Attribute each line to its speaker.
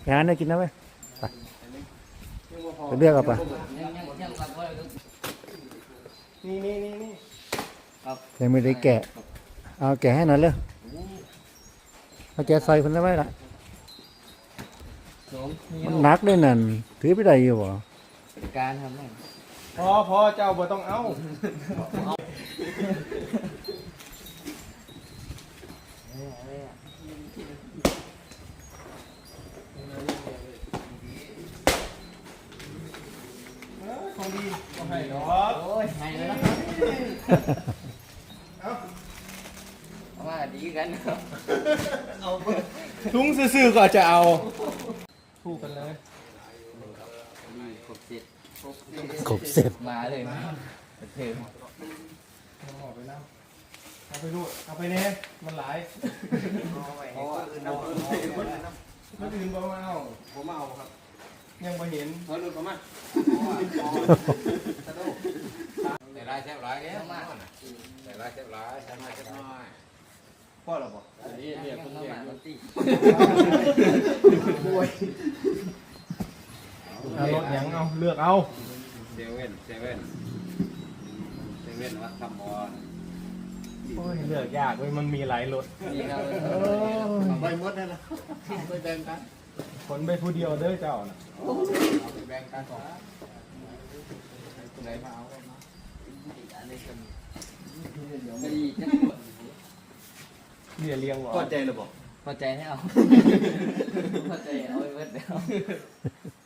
Speaker 1: ไปหาเนื้อกินนะเว้ยไปเลือกเอาไป
Speaker 2: นี่
Speaker 1: ยังไม่ได้แกะเอาแกะให้หน่อยเลยเอาแกะใส่คนละไว้ละมันหนักด้วยนั่นถือไปได้อยู่บ่
Speaker 3: การทำไง
Speaker 2: พอเจ้าบ่ต้องเอาของดีก็ให้ดอก
Speaker 3: โอ้ยให้แล้วนะว่าดีกันเอา
Speaker 2: ถุงซื่อๆก็จะเอาคู่กันเลย
Speaker 3: ครบเสร็จ
Speaker 1: ครบเสร็จ
Speaker 3: มาเลยเถิง
Speaker 2: เอาไปแล้วเอาไปดูเอาไปเนี่ยมันหลายมันอื่นบ่มาเอาผมเอาครับยังไม่เห็นเขาดูประมาณ
Speaker 4: แต่ลายแซ่บหลายเนี่ยแต่ลายแซ่บหลายแซ่บน้อยแซ่บน้อย
Speaker 2: พ่อเราบอก
Speaker 3: นี่คนเดียวตี
Speaker 2: เอารถยังเอาเลือกเอา
Speaker 4: เซเว่นวัดคำบอล
Speaker 2: โอ้ยเลือกยากเว้ยมันมีหลายรถ
Speaker 4: ไปหมดเลยนะไปแบ่งกัน
Speaker 2: คนไปผู้เดียวเด้อเจ้าน่ะ
Speaker 4: เอาไปแบ่งกันก่อนคนไหนมาเอาก็มา
Speaker 2: เลี้ยงบ่
Speaker 4: พอใจหรือเปล่า
Speaker 3: พอใจให้เอาพอใจเอาไปเบิดแล้ว